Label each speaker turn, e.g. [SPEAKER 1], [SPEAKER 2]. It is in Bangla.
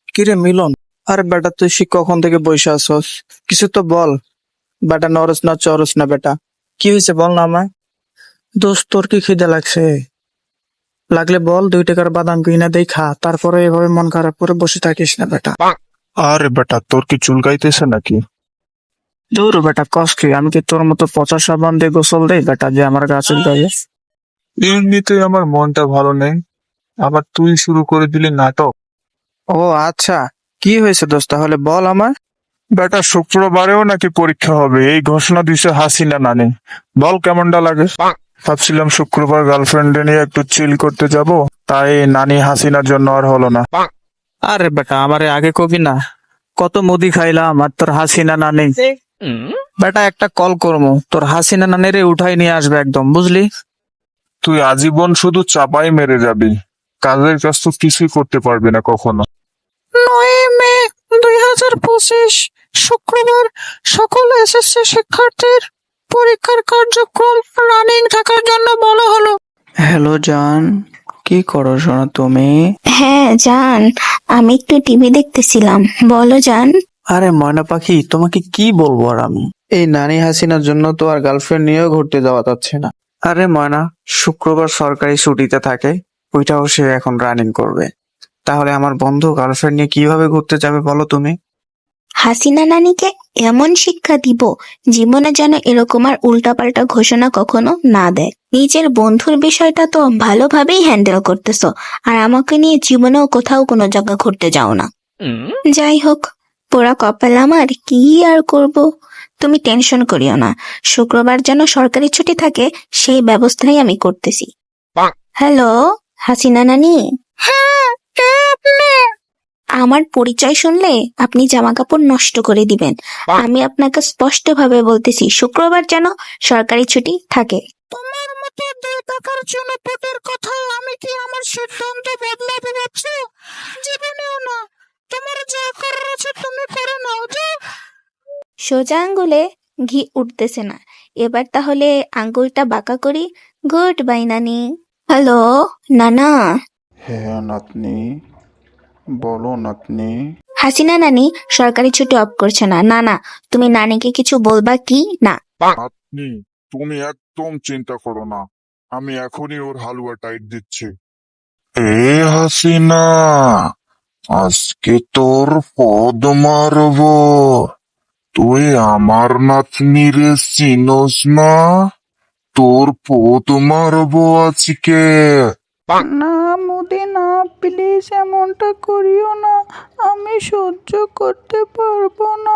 [SPEAKER 1] কিরে মিলন, আরে বেটা তুই কখন থেকে বসে আছস? কিছু তো বল। বেটা নরস না চরস না বেটা, কি হয়েছে বল না আমায়। দোস্ত তোর কি খিদে লাগছে? লাগলে বল, 2 টাকার বাদাম কিনা দেই খা, তারপরে এভাবে মন খারাপ করে বসে থাকিস না বেটা।
[SPEAKER 2] আরে বেটা, তোর কি চুলকাইতেছে নাকি?
[SPEAKER 1] দূর বেটা, কস কি? আমি কি তোর মতো পচা সাবান দিয়ে গোসল দেই বেটা যে আমার গাছের গায়ে?
[SPEAKER 2] এমনিতেই আমার মনটা ভালো নেই, আবার তুই শুরু করে দিলি নাটক।
[SPEAKER 1] ও আচ্ছা, কি হয়েছে দোস্ত তাহলে বল আমায়।
[SPEAKER 2] বেটা, শুক্রবারেও নাকি পরীক্ষা হবে, এই ঘোষণা দিছে হাসিনা নানি। বল কেমনটা লাগে? ভাবছিলাম শুক্রবার গার্লফ্রেন্ড নিয়ে একটু চিল করতে যাব, তাই নানি হাসিনার জন্য আর হলো না।
[SPEAKER 1] আরে বেটা আমারে আগে কবি না, কত মুদি খাইলাম আর তোর হাসিনা না নেই। বেটা একটা কল করবো, তোর হাসিনা নানিরে উঠাই নিয়ে আসবে একদম, বুঝলি?
[SPEAKER 2] তুই আজীবন শুধু চাপাই মেরে যাবি, কাজের কাজ তো কিছুই করতে পারবি না কখনো।
[SPEAKER 1] 9 মে 2025 শুক্রবার সকল এসএসসি শিক্ষার্থীর পরীক্ষার কার্যক্রম রানিং থাকার জন্য বলা হলো। হ্যালো জান, কি করো শোনা তুমি?
[SPEAKER 3] হ্যাঁ জান, আমি একটু টিভি দেখতেছিলাম। বলো জান।
[SPEAKER 1] আরে ময়না পাখি, তোমাকে কি বলবো আর আমি, এই নানি হাসিনার জন্য তো আর গার্লফ্রেন্ড নিয়েও ঘুরতে যাওয়া যাচ্ছে না। আরে ময়না, শুক্রবার সরকারি ছুটিতে থাকে, ওইটাও সে এখন রানিং করবে। তাহলে আমার বন্ধু গার্লফ্রেন্ড নিয়ে কিভাবে ঘুরতে যাবে বলো তুমি?
[SPEAKER 3] হাসিনা নানিকে এমন শিক্ষা দিব, জীবনে যেন এরকম আর উল্টাপাল্টা ঘোষণা কখনো না দেয়। নিজের বন্ধুর বিষয়টা তো ভালোভাবেই হ্যান্ডেল করতেছো, আর আমাকে নিয়ে জীবনেও কোথাও কোনো জায়গা ঘুরতে যাও না। যাই হোক, পোড়া কপাল আমার, কি আর করব। তুমি টেনশন করিও না, শুক্রবার যেন সরকারি ছুটি থাকে সেই ব্যবস্থাই আমি করতেছি। হ্যালো, হাসিনা নানি। হ্যাঁ, কে আপনি? আমার পরিচয় শুনলে আপনি জামা কাপড় নষ্ট করে দিবেন। আমি আপনাকে স্পষ্টভাবে বলতেছি, শুক্রবার যেন সরকারি ছুটি থাকে।
[SPEAKER 1] তোমার মতো 2 টাকার জন্য পেটের কথা আমি কি আমার সিদ্ধান্ত বদলাতে ভাবছি? জীবনেও না। তোমার যা করার আছে তুমি করে নাও যে।
[SPEAKER 3] সোজা আঙ্গুলে ঘি উঠতেছে না, এবার তাহলে আঙ্গুলটা বাঁকা করি। গুড বাই নানি। হ্যালো নানা।
[SPEAKER 4] হ্যাঁ নাতনি, বলো নাতনি।
[SPEAKER 3] হাসিনা নানি সরকারি ছুটি অফ করছে না। না না, তুমি নানিকে কিছু বলবা কি না?
[SPEAKER 2] আপনি, তুমি একদম চিন্তা করো না, আমি এখনই ওর হালুয়া টাইট দিচ্ছি। এ হাসিনা, আজকে তোর পদ মারবো। তুই আমার নাতনি রে চিনোস না? তোর পদ মারবো আজকে।
[SPEAKER 5] না মুদি না, প্লিজ এমনটা করিও না, আমি সহ্য করতে পারবো না।